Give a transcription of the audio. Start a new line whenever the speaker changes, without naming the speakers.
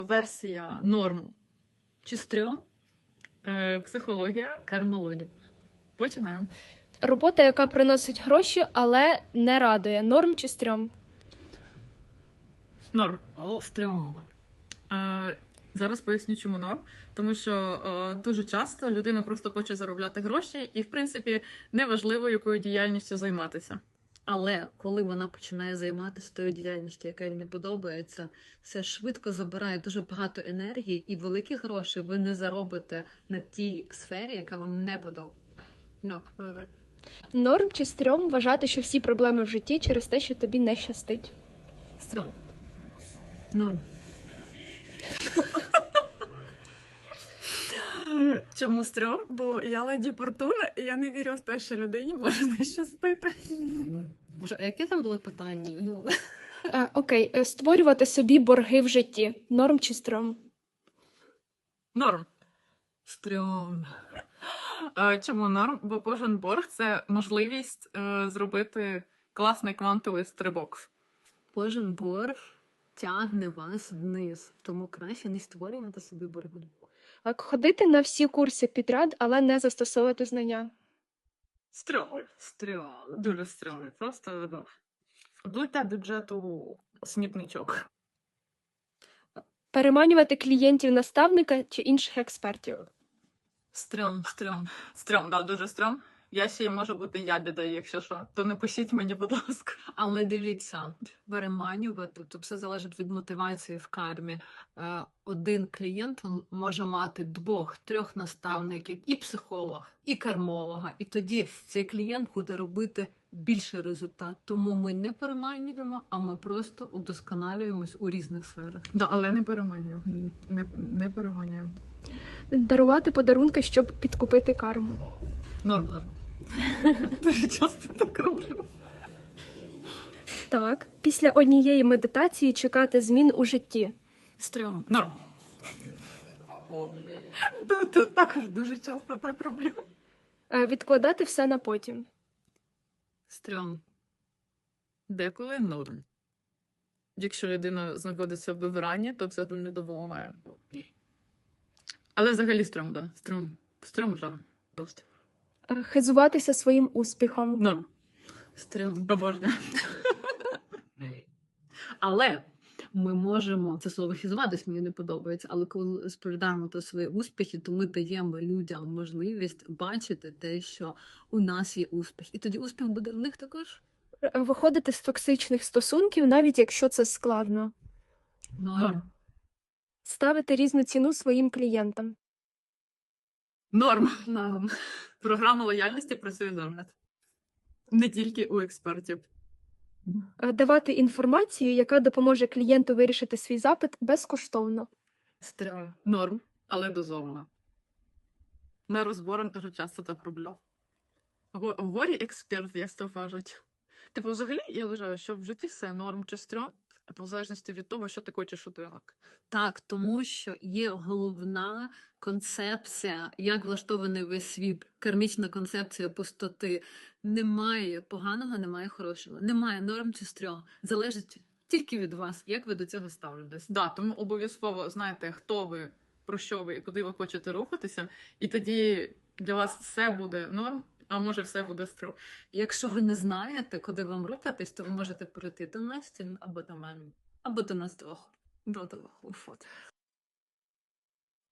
Версія норм чи стрьом, психологія, кармологія. Починаємо.
Робота, яка приносить гроші, але не радує. Норм чи стрьом?
Норм. Стрьом. Зараз поясню, чому норм. Тому що дуже часто людина просто хоче заробляти гроші і, в принципі, неважливо, якою діяльністю займатися.
Але коли вона починає займатися тою діяльністю, яка їй не подобається, це швидко забирає дуже багато енергії, і великі гроші ви не заробите на тій сфері, яка вам не подобається.
Норм чи стрьом вважати, що всі проблеми в житті через те, що тобі не щастить?
Стрьом. Ну.
Чому стрьом? Бо я леді Фортуна, і я не вірю в те, що людині може не щастити.
Боже, а яке там були питання?
Окей, створювати собі борги в житті. Норм чи стрьом?
Норм. Стрьом. Чому норм? Бо кожен борг – це можливість зробити класний квантовий стрибок.
Кожен борг тягне вас вниз, тому краще не створювати собі борги.
Ходити на всі курси підряд, але не застосовувати знання.
Стрьом. Стрьом. Дуже стрьом. Просто вдуйте бюджету смітничок.
Переманювати клієнтів наставника чи інших експертів.
Стрьом. Стрьом, да, дуже стрьом. Я ще й можу бути ябідою, якщо що. То не пишіть мені, будь ласка.
Але дивіться, переманювати, то все залежить від мотивації в кармі. Один клієнт може мати 2-3 наставників, і психолога, і кармолога. І тоді цей клієнт буде робити більший результат. Тому ми не переманюємо, а ми просто удосконалюємось у різних сферах.
Да, але не переманюємо. Не переманюємо.
Дарувати подарунки, щоб підкупити карму.
Норм. Дуже часто так роблю.
Так, після однієї медитації чекати змін у житті.
Стрьом.
Норм. Тут також дуже часто так роблю.
Відкладати все на потім.
Стрьом.
Деколи норм. Якщо людина знаходиться в вибиранні, то це не допомагає. Але взагалі стрьом, да. Стрьом, да. Просто.
Хизуватися своїм успіхом.
Норм.
Стрьом.
Обожнюю.
Але ми можемо, це слово хізуватись мені не подобається, але коли розповідаємо про свої успіхи, то ми даємо людям можливість бачити те, що у нас є успіх. І тоді успіх буде в них також.
Виходити з токсичних стосунків, навіть якщо це складно.
Норм.
Ставити різну ціну своїм клієнтам.
Норм. Програма лояльності працює норм. Не тільки у експертів.
Давати інформацію, яка допоможе клієнту вирішити свій запит безкоштовно.
Стрьом.
Норм, але дозовано. Не розбором дуже часто так роблю. В горі експерт, як то кажуть. Типу, взагалі, я вважаю, що в житті все норм чи стрьом, в залежності від того, що ти хочеш отримати.
Так, тому що є головна концепція, як влаштований весь світ, кармічна концепція пустоти. Немає поганого, немає хорошого, немає норм чи стрьом. Залежить тільки від вас, як ви до цього ставитесь.
Да, тому обов'язково знаєте, хто ви, про що ви і куди ви хочете рухатися, і тоді для вас все буде норм, а може все буде стрьом.
Якщо ви не знаєте, куди вам рухатись, то ви можете перейти до Насті або до мене, або до нас двох. До двох.